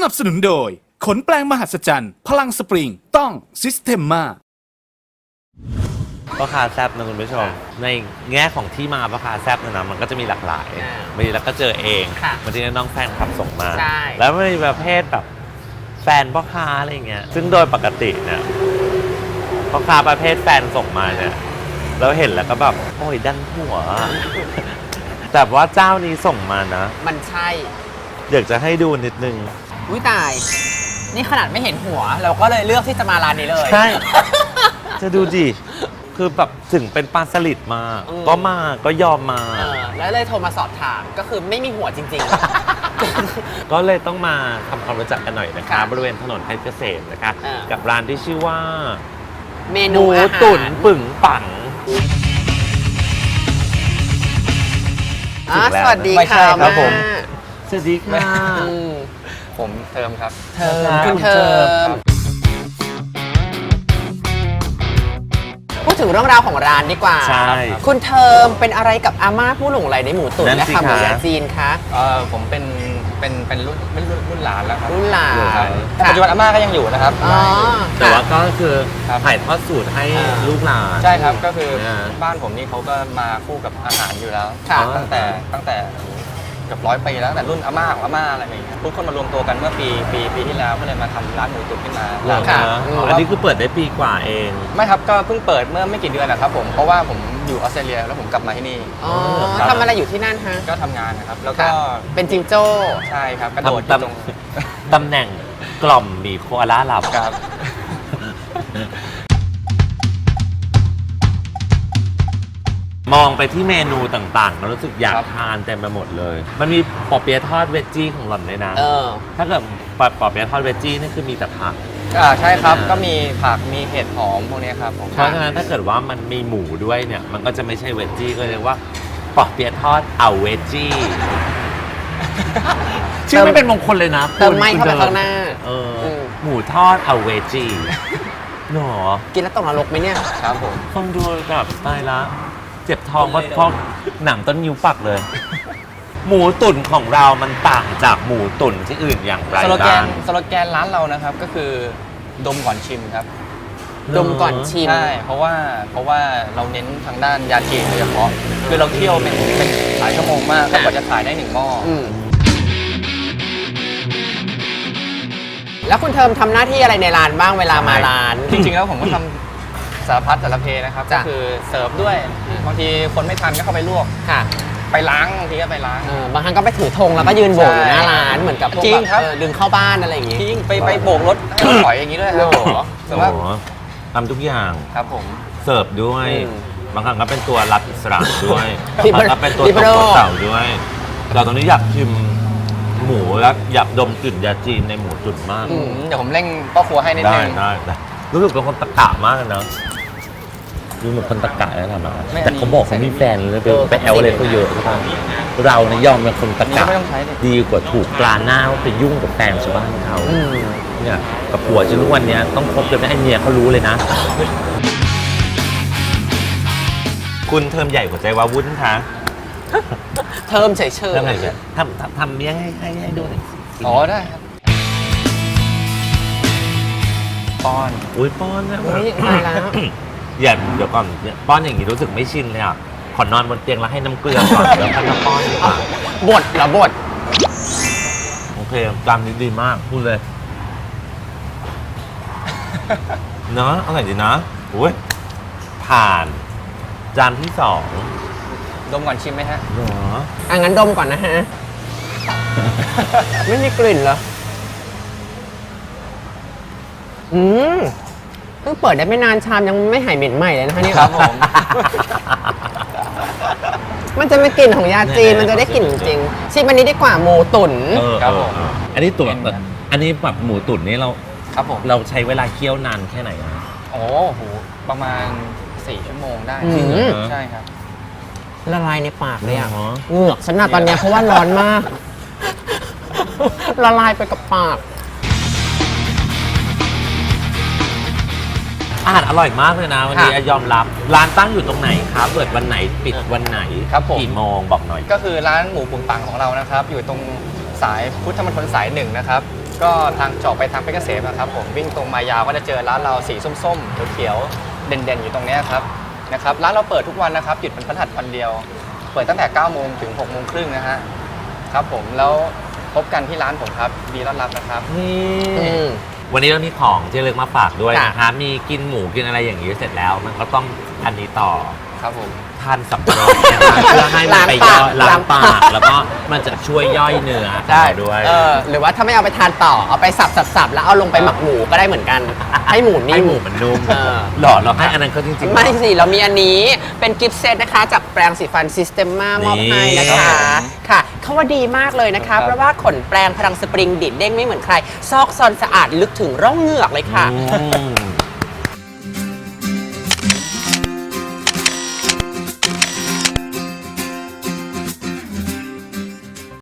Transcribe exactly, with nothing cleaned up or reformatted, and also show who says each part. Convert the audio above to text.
Speaker 1: นับสนุนโดยขนแปลงมหัศจรรย์พลังสปริงต้องซิสเ e มมา
Speaker 2: พ่อค้าแซบนะคุณผู้ชมในแง่ของที่มาพ่อค้าแซบนะนะมันก็จะมีหลากหลายบางทีเราก็เจอเองบางทีน้องแฟนคลับส่งมาแล้วมันมีประเภทแบบแฟนพ่อค้าอะไรเงี้ยซึ่งโดยปกติเนี่ยพ่อค้าประเภทแฟนส่งมาเนี่ยเราเห็นแล้วก็แบบโอ้ยดันหัวแต่ว่าเจ้านี้ส่งมานะ
Speaker 3: มันใช่
Speaker 2: อยากจะให้ดูนิดนึง
Speaker 3: อุ้ยตายนี่ขนาดไม่เห็นหัวเราก็เลยเลือกที่จะมาร้านนี้เลย
Speaker 2: ใช่จะดูดิคือแบบถึงเป็นปลาสลิดมาก็มาก็ยอมมา
Speaker 3: แล้วเลยโทรมาสอบถามก็คือไม่มีหัวจริง
Speaker 2: ๆก็เลยต้องมาทำความรู้จักกันหน่อยนะคะบริเวณถนนเพชรเกษมนะคะกับร้านที่ชื่อว่า
Speaker 3: เมนูอาหาร
Speaker 2: ตุ๋นปึ่งปัง
Speaker 3: สวัสดีค่ะ
Speaker 2: ครับผมสวัสดีค่ะ
Speaker 4: ผมเทิมครับ
Speaker 3: เทิมคุณเทิมพูดถึงเรื่องราวของร้านดีกว่า
Speaker 2: ใช่
Speaker 3: คุณเทิมเป็นอะไรกับอาม่าผู้หลงไหลในหมูตุ๋นและขาหมูยาจีนคะ
Speaker 4: เออผมเป็นเป็นเป็นรุ่นเป็นรุ่นหลานแล้วครับ
Speaker 3: รุ่นหลาน
Speaker 4: ปัจจุบันอาม่าก็ยังอยู่นะครับ
Speaker 2: แต่ว่าก็คือถ่ายทอดสูตรให้ลูกหลาน
Speaker 4: ใช่ครับก็คือบ้านผมนี่เขาก็มาคู่กับอาหารอยู่แล้วตั้งแต่ตั้งแต่เกือบร้อยปีแล้วแต่รุ่นอาม่าของอาม่าอะไรอย่างเงี้ยทุกคนมารวมตัวกันเมื่อปีปีปีที่แล้วก็เลยมาทำร้านหมูตุ๋นขึ้นมา
Speaker 2: ค่ะอันนี้คือเปิดได้ปีกว่าเอง
Speaker 4: ไม่ครับก็เพิ่งเปิดเมื่อไม่กี่เดือนนะครับผมเพราะว่าผมอยู่ออสเตรเลียแล้วผมกลับมาที่นี่
Speaker 3: อ๋อทำอะไรอยู่ที่นั่นฮะ
Speaker 4: ก็ทำงานนะครับแล้วก็
Speaker 3: เป็นจิงโจ้
Speaker 4: ใช่ครับกระโดดตรง
Speaker 2: ตำแหน่งกล่อมมีโคอาล่าหลับ
Speaker 4: ครับ
Speaker 2: มองไปที่เมนูต่างๆเรารู้สึกอยากทานเต็มไปหมดเลยมันมีปอเปี๊ยะทอดเวจจี้ของหล่อนเลยนะถ้าเกิดปอเปี๊ยะทอดเวจจี้นี่คือมีแต่ผัก
Speaker 4: อ่าใช่ครับก็มีผักมีเห็ดหอมพวกนี้ครับ
Speaker 2: เพราะฉะนั้นถ้าเกิดว่ามันมีหมูด้วยเนี่ยมันก็จะไม่ใช่เวจจี้ก็เรียกว่าปอเปี๊ยะทอดเอาเวจจี้ชื่อไม่เป็นมงคลเลยนะ
Speaker 3: เติมไม่เข้าไปข้างหน้า
Speaker 2: เออหมูทอดเอาเวจจี้หรอ
Speaker 3: กินแล้วตกนรกไหมเนี่ย
Speaker 4: ครับผม
Speaker 2: คนดูแบบตายละเจ็บท้องเพราะเพราะหนังต้นนิ้วปักเลยหมูตุ๋นของเรามันต่างจากหมูตุ๋นที่อื่นอย่างไร
Speaker 4: สโลแกนสโลแกนร้านเรานะครับก็คือดมก่อนชิมครับ
Speaker 3: ดมก่อนชิม
Speaker 4: ใช่เพราะว่าเพราะว่าเราเน้นทางด้านยาจีนโดยเฉพาะคือเราเคี่ยวเป็นเป็นหลายชั่วโมงมากกว่าจะขายได้หนึ่งหม้อ
Speaker 3: แล้วคุณเทิมทำหน้าที่อะไรในร้านบ้างเวลามาร้าน
Speaker 4: จริงๆแล้วผมก็ทำสารพัดสารเพนะครับก็คือเสิร์ฟด้วยบางทีคนไม่ทันก็เข้าไปลวก
Speaker 3: ค่ะ
Speaker 4: ไปล้างบางทีก็ไปล้าง
Speaker 3: บางครั้งก็ไปถือธงแล้วก็ยืนโบกอยู่หน้าร้านเหมือนกับ
Speaker 4: จริงครับ
Speaker 3: ดึงเข้าบ้านอะไรอย่างงี้
Speaker 4: จริงไปไปโบกรถให้ถอยอย่างนี้ด้วยครับ
Speaker 2: แต่ว่าทำทุกอย่าง
Speaker 4: ครับผม
Speaker 2: เสิร์ฟด้วยบางครั้งก็เป็นตัวรับอิสระด้วยแล้วก็เป็นตัวตกเสาด้วยเราตอนนี้อยากชิมหมูแล้วอยากดมกลิ่นยาจีนในหมูตุ๋นมาก
Speaker 4: เดี๋ยวผมเร่งพ่อครัวให้นิดนึง
Speaker 2: ได้ได้รู้สึกเป็นคนตะกะมากเลยนะดูเหมือนคนตะกะแล้วทำอะไรแต่เขาบอกเขามีแฟนเลยไปแอลอะไรเขาเยอะครับเราเนี่ยยอมเป็นคนตะกะดีกว่าถูกปลาหน้าว่าไปยุ่งกับแฟนชาวบ้านเขาเนี่ยกับผัวจนทุกวันนี้ต้องคบกันไม่ให้เมียเขารู้เลยนะคุณเทอมใหญ่กว่าใจวาวุ่นคะ
Speaker 3: เทอมเฉยๆ
Speaker 2: ทำไงเฉยทำทำเมียให้ให้ให้ดูหน่อย
Speaker 4: อ๋อได้ครับป้อน
Speaker 2: อุ้ยป้อนนะ
Speaker 3: อุ้ยตายแล้ว
Speaker 2: อย่าเดี๋ยวก่อนป้อนอย่างนี้รู้สึกไม่ชินเลยอ่ะขอนอนบนเตียงแล้วให้น้ำเกลือก่อนแล้วค่อยมาป้อนดีกว่า
Speaker 3: บดเหรอบด
Speaker 2: โอเคจานนี้ดีมากพูดเลยเนาะอร่อยดีนะอุ้ยผ่านจานที่สอง
Speaker 4: ดมก่อนชิมไหมฮะ
Speaker 2: เหรอ
Speaker 3: อ่ะงั้นดมก่อนนะฮะไม่มีกลิ่นเหรออืมเพิ่งเปิดได้ไม่นานชามยังไม่หายเหม็นใหม่เลยนะคะนี่
Speaker 4: ครับผม
Speaker 3: มันจะไม่กลิ่นของยาจีนมันจะได้กลิ่นจริงชิมอันนี้ดีกว่าหมูตุ๋น
Speaker 2: ครับผมอันนี้ตุ๋นอันนี้แบบหมูตุ๋นนี่เรา
Speaker 4: ครับผม
Speaker 2: เราใช้เวลาเคี่ยวนานแค่ไหนอ่ะ
Speaker 4: โอ้โหประมาณสี่ชั่วโมงได้ใช่ครับ
Speaker 3: ละลายในปากเลยอ่ะเหงือกฉันน่ะตอนนี้เพราะว่าร้อนมากละลายไปกับปาก
Speaker 2: อาหารอร่อยมากเลยนะวันนี้ยอมรับร้านตั้งอยู่ตรงไหนครับเปิดวันไหนปิดวันไหน
Speaker 4: ครับผม
Speaker 2: กี่โมงบอกหน่อย
Speaker 4: ก็คือร้านหมูปุ่นปังของเรานะครับอยู่ตรงสายพุทธมณฑลสายหนึ่งนะครับก็ทางจอกไปทางเพชรเกษมนะครับผมวิ่งตรงมายาวก็จะเจอร้านเราสีส้มๆเขียวๆเด่นๆอยู่ตรงนี้ครับนะครับร้านเราเปิดทุกวันนะครับหยุดเป็นพฤหัสวันเดียวเปิดตั้งแต่เก้าโมงถึงหกโมงครึ่งนะฮะครับผมแล้วพบกันที่ร้านผมครับดีต้อนรับนะครับ
Speaker 3: อืม
Speaker 2: วันนี้เรามีของที่ระลึกมาฝากด้วย
Speaker 3: ค่ะ
Speaker 2: นะคะมีกินหมูกินอะไรอย่างนี้เสร็จแล้ว มันก็ต้องอันนี้ต่อ
Speaker 4: ครับผม
Speaker 2: ทานสับปะรดนะคะเพื่อให้มันไปย่อยล้างปากแล้วก็มันจะช่วยย่อยเนื้อของเราด้วย
Speaker 3: เออหรือว่าถ้าไม่เอาไปทานต่อเอาไปสับสับสับแล้วเอาลงไปหมักหมูก็ได้เหมือนกัน ให้หมูนิ่
Speaker 2: ให้
Speaker 3: ม
Speaker 2: หมูมันนุ่ม
Speaker 3: เออ
Speaker 2: หรอเราให้อันนั้นเขาจริงๆ
Speaker 3: ไม่สิ เรามีอันนี้เป็นกิฟต์เซตนะคะ จากแปรงสีฟันซิสเต็มมามอบให้นะคะ ค่ะเขาว่าดีมากเลยนะคะ เพราะว่าขนแปรงพลังสปริงดิดเด้งไม่เหมือนใคร ซอกซอนสะอาดลึกถึงร่องเหงือกเลยค่ะ
Speaker 2: อืม